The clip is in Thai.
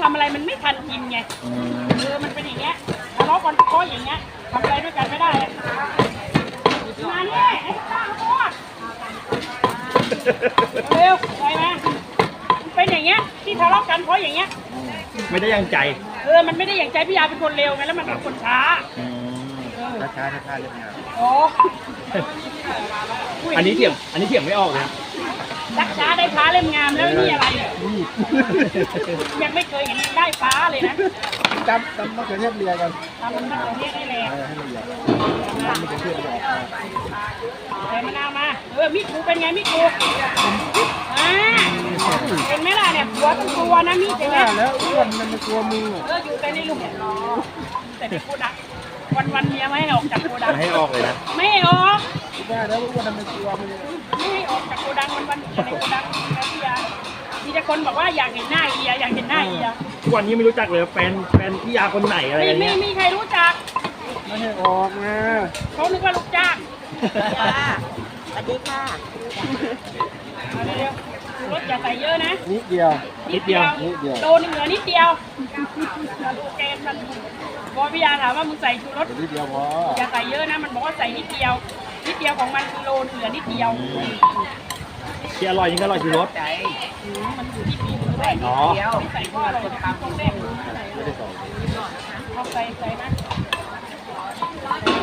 ำอะไรมันไม่ทันกินไงมันเป็นอย่างเงี้ยทะเลาะกันเพราะอย่างเงี้ยทำอะไรด้วยกันไม่ได้มาเนี่ยไอ้ข้าวโพดเร็วไปมาเป็นอย่างเงี้ยที่ทะเลาะกันเพราะอย่างเงี้ยไม่ได้ยังใจมันไม่ได้อย่างใจพี่ยาเป็นคนเร็วไงแล้วมันเป็นคนช้าช้าเรื่องงานโอ้อันนี้เถียงไม่ออกเลยชักช้าได้ฟ้าเล่มงามแล้วนี่อะไรยังไม่เคยเห็นได้ฟ้าเลยนะจำมะเขือเทศเรียกันทำมันมะเขือเทศให้แรงให้ละเอียดมะเขือเทศออกใส่มะนาวมามิกูเป็นไงมิกูเห็นไหมล่ะเนี่ยหัวต้องตัวนะมิเห็นไหมแล้วอ้วนมันกลัวมืออยู่แต่ในหลุมแต่ในโกดังวันเมียไม่ให้ออกจากโกดังให้ออกเลยนะไม่ให้ออกได้แล้วอ้วนมันกลัวมือไม่ให้ออกจากโกดังวันอยู่ในโกดังนะพี่ยามีแต่คนบอกว่าอยากเห็นหน้าเอียอยากเห็นหน้าเอียทุกวันนี้ไม่รู้จักเลยแฟนพี่ยาคนไหนอะไรอย่างเงี้ยไม่มีใครรู้จักไม่ให้ออกนะเขานึกว่าลูกจ้างสวัสดีค่ะเร็วรถอย่าใส่เยอะนะนิดเดียวโดนเหลือนิดเดียวดูเกมมันบอพี่ยาถามว่ามึงใส่ชูรสนิดเดียวพออย่าใส่เยอะนะมันบอกว่าใส่นิดเดียวของมันคือโลเหลือนิดเดียวที่อร่อยนี่ก็อร่อยชูรสมันอยู่ที่ปีมือด้วยไม่ใส่ก็อร่อยตามตรงเด้งเอาใส่นะ